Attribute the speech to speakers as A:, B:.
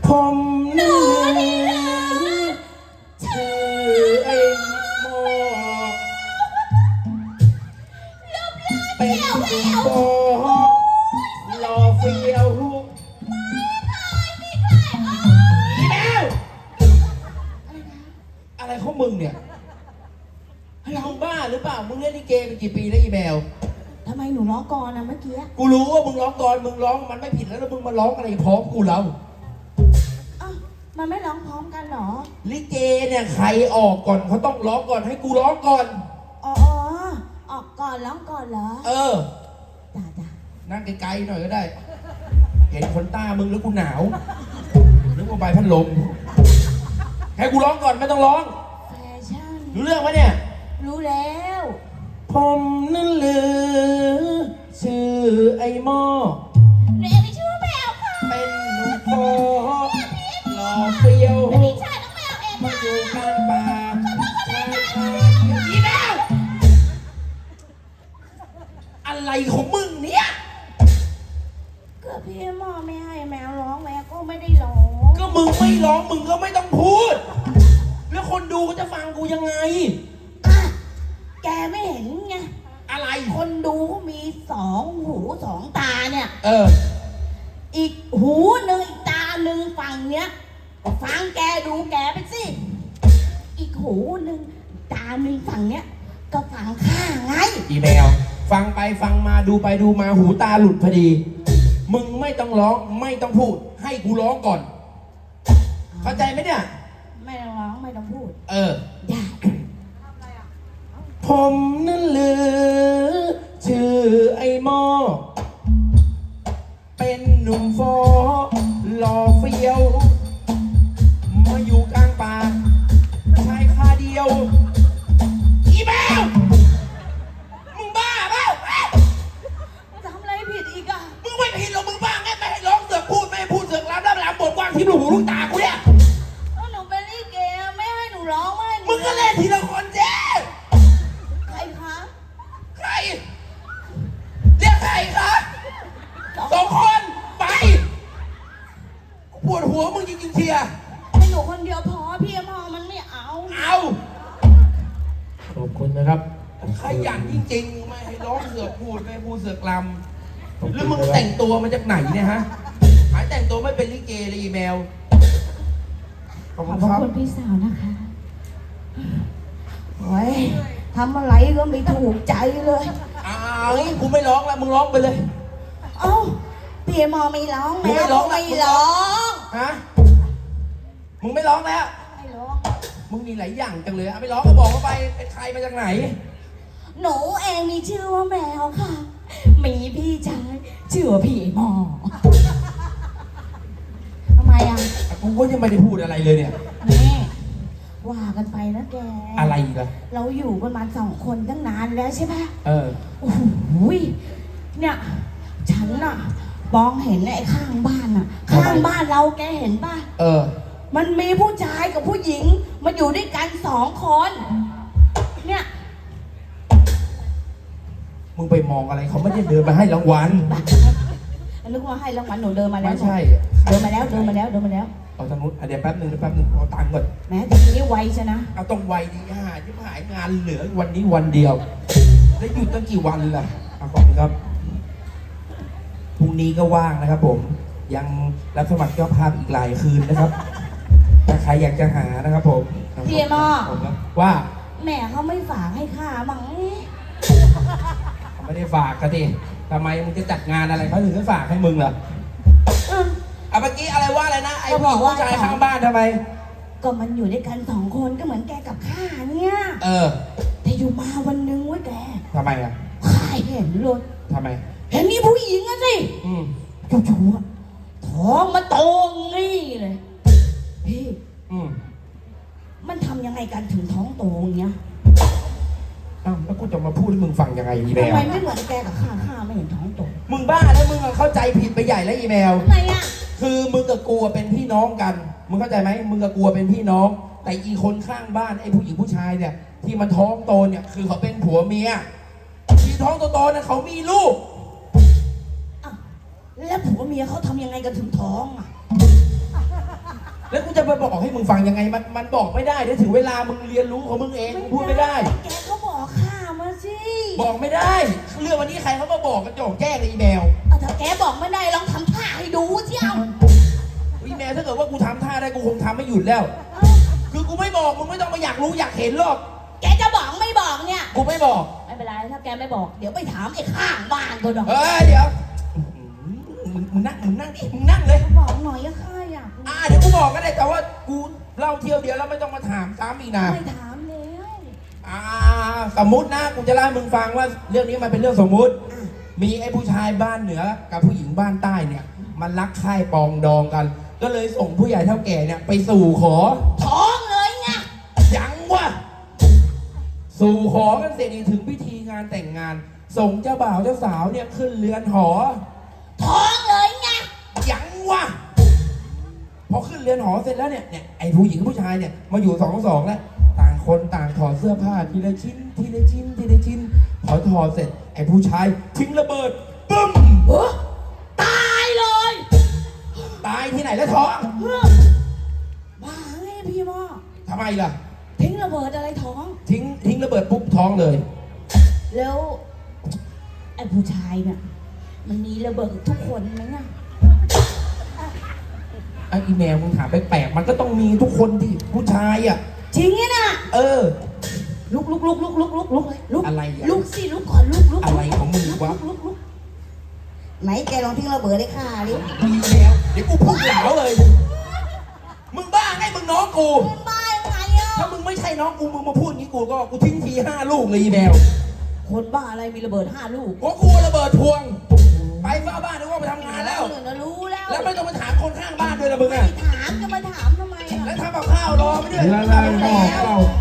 A: ผม
B: หนูนี่นะ
A: ชื่อไอ้โมเป็นผู้โบหล่อเฟี้ยวอีแมวอะไรของมึงเนี่ยมึงบ้าหรือเปล่ามึงเล่นลิเกมากี่ปีแล้วอีแมว
B: ทำไมหนูร้องก่อนนะเมื่อกี้
A: กูรู้ว่ามึงร้องก่อนมึงร้องมันไม่ผิดแล้วมึงมาร้องอะไรพร้อมกูแล้ว
B: อ้าวมันไม่ร้องพร้อมกันเหรอ
A: ลิเกเนี่ยใครออกก่อนเขาต้องร้องก่อนให้กูร้องก่อน
B: อ๋อออกก่อนร้องก่อนเหรอ
A: เออ
B: จ้า
A: นั่งไกลๆหน่อยก็ได้ เห็นขนตามึงแล้วกูหนาวนึกว่าใบพัดลมให้กูร้องก่อนไม่ต้องร้อง
B: แฟชั่น
A: รู้เรื่องไหมเนี่ย
B: รู้แล้ว
A: ผมนั่นลือชื่อไอ้หม้อ
B: หนูเองไม่ชื่อแมวค่ะ
A: เป็นหนุ่มโฟหล่อเฟี้ยว
B: พี่ชายน้องแมวเอง
A: มา
B: ค่ะ
A: อยู่ข้างป่าชายคาอีแมวอะไรของมึงเนี่ย
B: ก็พี่หมอไม่ให้แมวร้องแมวก็ไม่ได้ร้อง
A: ก็มึงไม่ร้องมึงก็ไม่ต้องพูด แล้วคนดูก็จะฟังกูยังไง
B: อ่ะแกไม่เห็นไง
A: อะไร
B: คนดูก็มี2 หู 2 ตาเนี่ย
A: เออ
B: อีกหูหนึ่งอีกตาหนึ่งฝั่งเนี้ยก็ฟังแกดูแกไปสิ อีกหูหนึ่งตาหนึ่งฝั่งเนี้ยก็ฟังข้างไง
A: อีแมวฟังไปฟังมาดูไปดูมาหูตาหลุดพอดี มึงไม่ต้องร้องไม่ต้องพูด ให้กูร้องก่อน เข้าใจไหมเนี่ย
B: ไม่ต้องร้องไม่ต้องพูด
A: เออ
B: ได้
A: ผมนั่นลือชื่อไอ้หม้อเป็นหนุ่มฟอหล่อเฟี้ยวมาอยู่กลางป่าชายคาเดียวอีแมวมึงบ้าเปล่า
B: ทำอะไรผิดอีกอ่ะ
A: มึงไม่ผิดหรอกมึงบ้าไงไม่ให้ร้องเสือกพูดไม่ให้พูดเสือกรำแล้วรำบทกว้างที่ลูกหูลูกตากูเนี่ย
B: ก็หนูเป็นลิเกไม่ให้หนูร้องไม่ให้หนู
A: มึงก็เล่นทีละคนเจ๊
B: ใครคะ
A: ใครเรียกใครคะ2 คนไปปวดหัวมึงจริงๆเชียร์
B: ให้หนูคนเดียวพอพี่หมอมันไม่เอา
A: เอาขอบคุณนะครับขยันจริงๆไม่ให้ร้องเสือกพูดไม่ให้พูดเสือกลำแล้วมึงแต่งตัวมาจากไหนเนี่ยฮะหายแต่งตัวไม่เป็นลิเกเลยอีแมวขอบ
B: ข
A: คุ
B: อบ
A: ณครับ
B: คุณพี่สาวนะคะโอ้ยทำอะไรก็ไม่ถูกใจเลย
A: อ้าวกูไม่ร้องแล้วมึงร้องไปเลย
B: เอ้าพี่หมอไม่ร้อง
A: มึงไม่
B: แม่
A: ร้
B: ก็
A: อง
B: ไม่ร้อง
A: ฮะมึงไม่ร้องแล้ว
B: ไม่ร้อง
A: มึงมีหลายอย่างจังเลยเอาไปร้องก็บอกเขาไปเป็นใครมาจากไหน
B: หนูเองมีชื่อว่าแมวค่ะ มีพี่ชายชื่อว่าพี่หมอทำไมอ่ะ
A: กูก็ยังไม่ได้พูดอะไรเลยเนี่ย
B: นี่ว่ากันไปนะแก
A: อะไรอีกล่ะ
B: เราอยู่กันมา2 คนตั้งนานแล้วใช่ปะ
A: เออ
B: โอ้โหเนี่ยฉันน่ะมองเห็นไอ้ข้างบ้านน่ะ ข้างบ้านเราแกเห็นป่ะ
A: เออ
B: มันมีผู้ชายกับผู้หญิงมาอยู่ด้วยกัน2 คน เนี่ย
A: มึงไปมองอะไรเขาไม่ได้เดินมาให้รางวัล
B: นึกว่าให้รางวัลหนูเดินมาแล้ว
A: ไม่ใช่
B: เดินมาแล้วเดินมาแล้วเดินมาแล้ว
A: เอาทางนู้นเดี๋ยวแป๊บหนึงเอาตังค์ก่อน
B: แม้แต่ทีนี้ไวใช่นะ
A: เอาต้องไวดีที่หายงานเหลือวันนี้วันเดียว แล้วหยุดตั้งกี่วันล่ะขอบคุณครับ พรุ่งนี้ก็ว่างนะครับผม ยังรับสมัครเจ้าภาพอีกหลายคืนนะครับ ถ้าใครอยากจะหานะครับผม
B: พี่หมอ
A: ผมครับว่า
B: แม่เขาไม่ฝากให้ข้ามั้ง
A: เขาไม่ได้ฝากกันดิทำไมมึงจะจัดงานอะไรเขาถึงจะฝากให้มึงเหรอ
B: อืม
A: เมื่อกี้อะไรว่าอะไรนะ ไอ้
B: ก็บอกว่า
A: ผู้ชายข้างบ้านทำไม
B: ก็มันอยู่ด้วยกัน2 คนก็เหมือนแกกับข้าเนี่ย
A: เออ
B: แต่อยู่มาวันหนึงเว้ยแก
A: ทำไมอ่ะ
B: ข้าเห็นเลย
A: ทำไม
B: เห็นมีผู้หญิงอะสิ
A: อืม
B: จู่ๆอะท้องมาโตงี้เลยพี่
A: อืม
B: มันทำยังไงกันถึงท้องโตอย่างเงี้ย
A: อ้าวแล้วกูจะมาพูดให้มึงฟังยังไงอีแม
B: ทำ
A: ว
B: ไมไม่เหมือนแกกับข้าไม่เห็นท้องโต
A: มึงบ้าแล้วมึงอะเข้าใจผิดไปใหญ่แล้วอีแมว
B: ทำไมอะ
A: คือมึงกับกูอะเป็นพี่น้องกัน มึงเข้าใจไหมมึงกับกูอะเป็นพี่น้อง แต่อีคนข้างบ้านไอ้ผู้หญิงผู้ชายเนี่ย ที่มันท้องโตเนี่ยคือเขาเป็นผัวเมีย ที่ท้องโตๆเนี่ยเขามีลูก
B: อ้าวแล้วผัวเมียเขาทำยังไงกันถึงท้องอะ
A: แล้วกูจะไปบอกให้มึงฟังยังไงมันบอกไม่ได้เดี๋ยวถึงเวลามึงเรียนรู้ของมึงเองมึงพูดไม่ได้
B: แกก็บอกข้ามาสิ
A: บอกไม่ได้เรื่องวันนี้ใครเขามาบอกกันโจงแจ้งเลยอีแมว
B: ถ้าแกบอกไม่ได้ลองทำท่าให้ดูเที่ยว
A: อีแมวถ้าเกิดว่ากูทำท่าได้กูคงทำไม่หยุดแล้ว คือกูไม่บอกมึงไม่ต้องมาอยากรู้อยากเห็นหรอก
B: แกจะบอกไม่บอกเนี่ย
A: กูไม่บอก
B: ไม่เป็นไรถ้าแกไม่บอกเดี๋ยวไปถามไอ้ข้างบ้านก็ได้
A: เฮ้ยเดี๋ยวมึงนั่งดิมึงนั่งเลย
B: บอกหน่อยอะข้าอยากรู้
A: เดี๋ยวกูบอกก็ได้แต่ว่ากูเล่าเที่ยวเดียวแล้วไม่ต้องมาถามซ้ำอีกนะ
B: ไม่ถามแล้ว
A: สมมุตินะกูจะเล่าให้มึงฟังว่าเรื่องนี้มันเป็นเรื่องสมมุติ มีไอ้ผู้ชายบ้านเหนือกับผู้หญิงบ้านใต้เนี่ย มันรักใคร่ปองดองกัน ก็เลยส่งผู้ใหญ่เท่าแก่เนี่ยไปสู่ขอ
B: ท้องเลยไง
A: ยังวะสู่ขอกันเสร็จนี่ถึงพิธีงานแต่งงาน ส่งเจ้าบ่าวเจ้าสาวเนี่ยขึ้นเรือนหอ
B: ท้องเลยไง
A: ยังวะพอขึ้นเรือนหอเสร็จแล้วเนี่ยไอ้ผู้หญิงผู้ชายเนี่ยมาอยู่สองแล้วต่างคนต่างถอดเสื้อผ้าทีละชิ้นทีละชิ้นทีละชิ้นพอถอดเสร็จไอ้ผู้ชายทิ้งระเบิดปึ้ม
B: ตายเลย
A: ตายที่ไหนแล้วท้อง
B: บ้าไงพี่หมอ
A: ทำไมล่ะ
B: ทิ้งระเบิดอะไรท้อง
A: ทิ้งระเบิดปุ๊บท้องเลย
B: แล้วไอ้ผู้ชายเนี่ยมันมีระเบิดทุกคนไหมน่ะ
A: ไอ้อีแมวมึงถามแปลกๆมันก็ต้องมีทุกคนที่ผู้ชายอ่ะ
B: จริงไงน่ะ ลุกเลยลุก
A: อะไรอ่ะ
B: ลุกสิลุกก่อนลุก
A: อะไรของมึงวะ
B: ลุกไหนแกลองทิ้งระเบิดให้ข้าดิ
A: อีแมวเดี๋ยวกูพุ่งเหลาเลย มึงบ้าไงมึงน้องกู
B: เป็นบ้ายังไงอ่ะ
A: ถ้ามึงไม่ใช่น้องกูมึงมาพูดอย่างนี้กูทิ้งที5 ลูกเลยอีแมว
B: คนบ้าอะไรมีระเบิด5 ลูก
A: เพราะกูระเบิดพวง ไปเฝ้าบ้านนึกว่าไปทำงานแล้ว
B: รู้แล้ว
A: แล้วไม่ต้องมาถามคนข้างบ้านด้วยละมึง
B: ไม่
A: อ่ะ
B: ถามจะมาถามทำไมอ่ะ
A: แล้วทำกับข้าวรอไม่ด้วย
C: La la la la